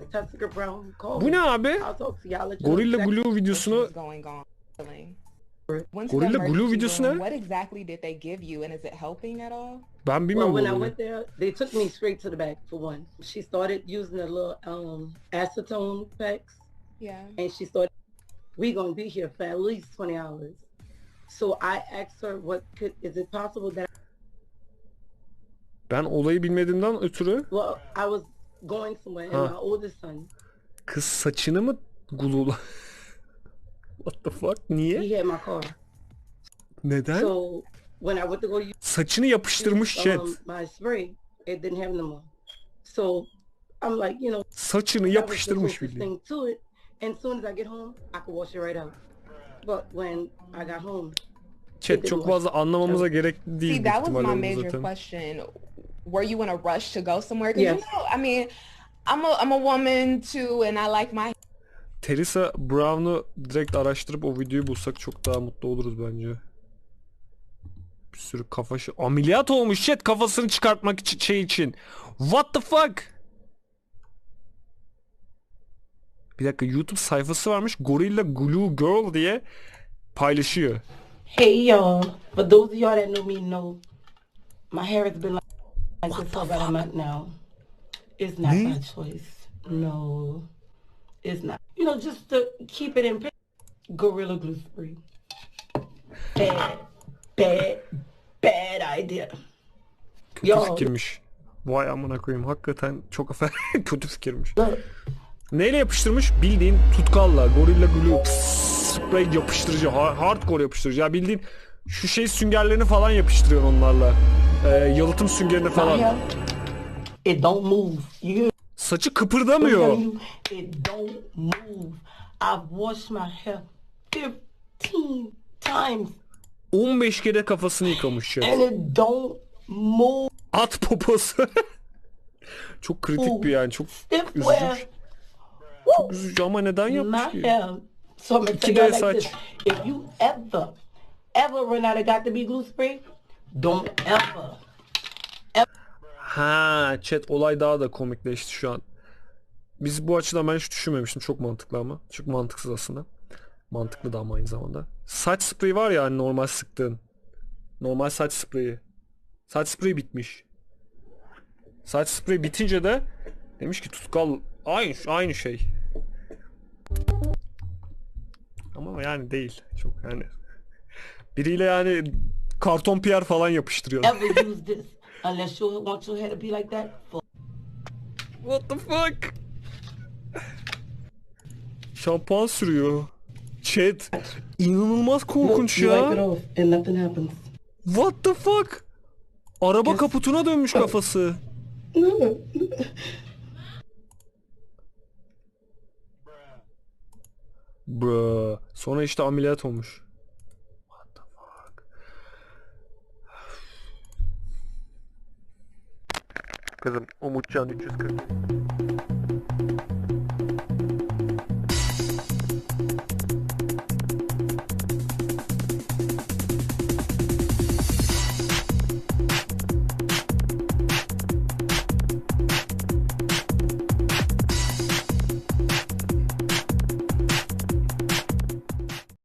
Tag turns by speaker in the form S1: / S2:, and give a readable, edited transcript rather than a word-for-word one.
S1: Tessica Brown, call
S2: Bu
S1: me.
S2: ne abi?
S1: I'll talk to you. I'll let you know
S2: Gorilla
S1: exactly
S2: Glue videosunu... Gorilla Glue videosu ne?
S3: What exactly did they give you, and is it helping at all?
S2: Ben
S1: Well,
S2: bilmem bu
S1: when I
S2: olayı.
S1: went there, they took me straight to the back for one. She started using the little acetone packs,
S3: Yeah.
S1: and she started, we gonna be here for at least 20 hours. So I asked her, is it possible that,
S2: Ben olayı bilmediğimden ötürü...
S1: well, I was going somewhere, and my oldest son,
S2: Kız saçını mı glue'la? What the fuck? Niye?
S1: he had my car.
S2: Neden?
S1: So when I went to go use
S2: Saçını yapıştırmış chat.
S1: my spray, it didn't have no more. So I'm like, you know,
S2: Saçını
S1: that was the
S2: yapıştırmış
S1: closest
S2: bildiğin.
S1: thing to it. And as soon as I get home, I can wash it right out. But when I got home,
S2: Chat çok fazla anlamamıza gerek değil
S3: See,
S2: büyük
S3: that was my
S2: ihtimalle
S3: major
S2: zaten.
S3: question. Were you in a rush to go somewhere? Because
S1: Yes.
S3: you know, I mean, I'm a woman too, and I like my
S2: Theresa Brown'u direkt araştırıp o videoyu bulsak çok daha mutlu oluruz bence. Bir sürü ameliyat olmuş chat kafasını çıkartmak için. What the fuck? Bir dakika, YouTube sayfası varmış. Gorilla Glue Girl diye paylaşıyor.
S1: hey y'all, for those of y'all that know me know, my hair has been like this for about a month now. It's not my choice. No, it's not. You know, just to keep it in Gorilla Glue Spray. Bad idea.
S2: Kötü
S1: Yo.
S2: fikirmiş. Vay amına koyayım. Hakikaten çok kötü fikirmiş.
S1: Look,
S2: Neyle yapıştırmış? Bildiğin tutkalla. Gorilla Glue spray yapıştırıcı. Hardcore yapıştırıcı. Ya bildiğin şu şey süngerlerini falan yapıştırıyor onlarla. Yalıtım süngerini falan.
S1: it don't move. You
S2: Saçı kıpırdamıyor.
S1: it don't move. I've washed my hair 15 times
S2: 15 kere kafasını yıkamış ya.
S1: and it don't move.
S2: At poposu. Çok kritik bir yani. Çok
S1: Stiff
S2: üzücü.
S1: wear.
S2: Çok üzücü ama neden
S1: My
S2: yapmış ki?
S1: hair. So I'm gonna tell
S2: İki
S1: you
S2: de
S1: like
S2: saç.
S1: this. If you ever run out of got to be glue spray, don't ever.
S2: Ha, chat olay daha da komikleşti şu an. Biz bu açıdan ben hiç düşünmemiştim. Çok mantıklı ama. Çok mantıksız aslında. Mantıklı da ama aynı zamanda. Saç spreyi var ya hani normal sıktığın. Normal saç spreyi. Saç spreyi bitmiş. Saç spreyi bitince de demiş ki tutkal aynı şey. Ama yani değil. Çok yani. Biriyle yani karton piyer falan yapıştırıyor.
S1: Ever use this unless you want your hair to be like that.
S2: What the fuck? Şampuan sürüyor. Chat. İnanılmaz korkunç
S1: You wipe it
S2: ya.
S1: off and nothing happens.
S2: What the fuck? Araba kaputuna dönmüş kafası. Bro. Sonra işte ameliyat olmuş. What the fuck? Kızım Umutcan 340.